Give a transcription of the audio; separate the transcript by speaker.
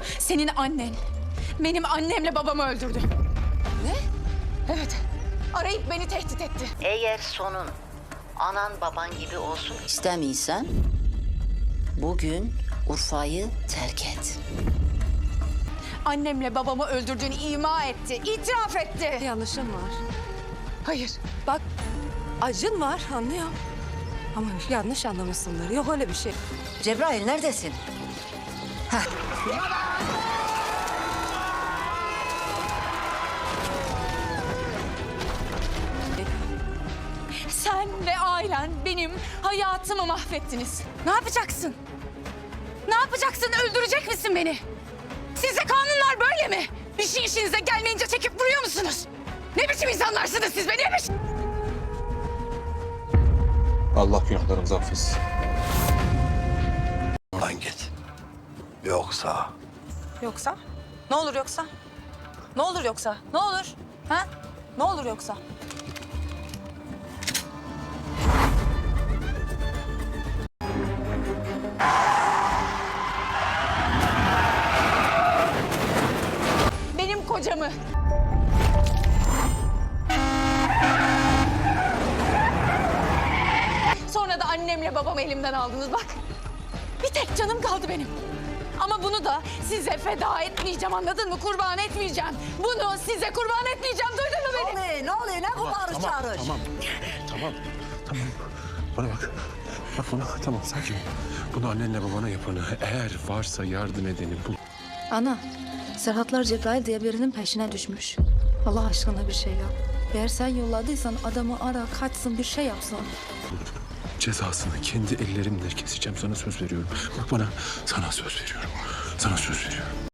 Speaker 1: Senin annen benim annemle babamı öldürdü.
Speaker 2: Ne?
Speaker 1: Evet. Arayıp beni tehdit etti.
Speaker 3: Eğer sonun anan baban gibi olsun istemiyorsan bugün Urfa'yı terk et.
Speaker 1: Annemle babamı öldürdüğünü ima etti, itiraf etti.
Speaker 2: Yanlışım var.
Speaker 1: Hayır.
Speaker 2: Bak acın var anlıyorum. Ama yanlış anlamışsındır. Yok öyle bir şey.
Speaker 3: Cebrail neredesin?
Speaker 1: Sen ve ailen benim hayatımı mahvettiniz. Ne yapacaksın? Ne yapacaksın? Öldürecek misin beni? Sizce kanunlar böyle mi? Bir şey işinize gelmeyince çekip vuruyor musunuz? Ne biçim insanlarsınız siz be? Ne biçim?
Speaker 4: Allah günahlarımızı affetsin.
Speaker 5: Lan git. Yoksa
Speaker 2: Yoksa? Ne olur yoksa? Ne olur yoksa? Ne olur? Ha? Ne olur yoksa?
Speaker 1: Benim kocamı. Sonra da annemle babamı elimden aldınız bak. Bir tek canım kaldı benim. Ama bunu da size feda etmeyeceğim, anladın mı? Kurban etmeyeceğim. Bunu size kurban etmeyeceğim, duydun mu beni?
Speaker 3: Ne oluyor? Ne bu bağırış çağırış?
Speaker 4: Tamam. Bana bak. Bak bana. Tamam sakin ol. Bunu annenle babana yapanı eğer varsa yardım edeni bul.
Speaker 6: Ana, Serhatlar Cebrail diye birinin peşine düşmüş. Allah aşkına bir şey yap. Eğer sen yolladıysan adamı ara, kaçsın, bir şey yapsın.
Speaker 4: Cezasını kendi ellerimle keseceğim, sana söz veriyorum. Bak bana, sana söz veriyorum. Sana söz veriyorum.